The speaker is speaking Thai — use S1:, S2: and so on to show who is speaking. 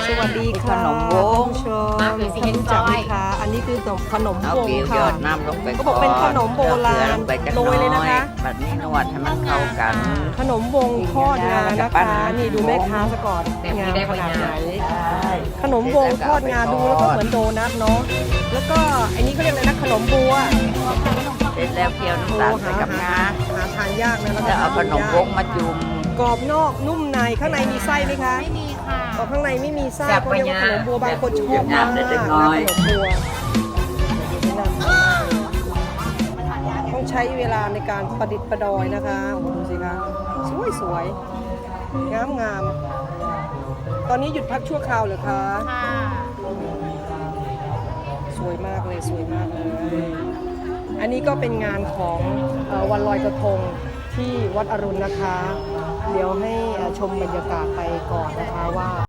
S1: สวัสดีค่ะ
S2: ขนมวง
S1: ชมท่านรู้จักไหมคะอันนี้คือขนม
S2: เอา
S1: วง
S2: เกลียวยอ
S1: ค่ะ
S2: ดน้ำลงไป
S1: เขาบอกเป็นขนมโบราณ
S2: ลงไปจัก
S1: โรยเลยนะคะ
S2: แบบนี้นวดให้มันเข้ากัน
S1: ขนมวงทอดงานะคะ นี่ดูแม่ค้าซะก่อนงามขนาดไหนขนมวงทอดงาดูแล้วก็เหมือนโดนัทเนาะแล้วก็อันนี้เขาเรียกอะไรนะขนมบัว
S2: เสร็จแล้วเคี่ยวน้ำตาลใส่กับงา
S1: หาทานยากนะ
S2: แล้วเอาขนมวงมาจุ่ม
S1: กรอบนอกนุ่มในข้างในมีไส้ไหมคะ
S3: ไม่มีค่ะ
S1: อ๋อข้างในไม่มีไส้
S3: แบบ
S1: เขาเรียกว่าขนมบัวบางคนชอบ
S2: ยาม
S1: าก
S2: ได้
S1: ข
S2: เล็
S1: น
S2: ก
S1: ม
S2: น้อย
S1: บัวต้องใช้เวลาในการประดิษฐ์ประดอยนะคะโอ้โหดูสิคะสวยงามตอนนี้หยุดพักชั่วคราวเหรอคะ
S3: ค่ะ
S1: สวยมากเลยสวยมากเลย อันนี้ก็เป็นงานของวันลอยกระทงที่วัดอรุณนะคะ เดี๋ยวให้ชมบรรยากาศไปก่อนนะคะว่า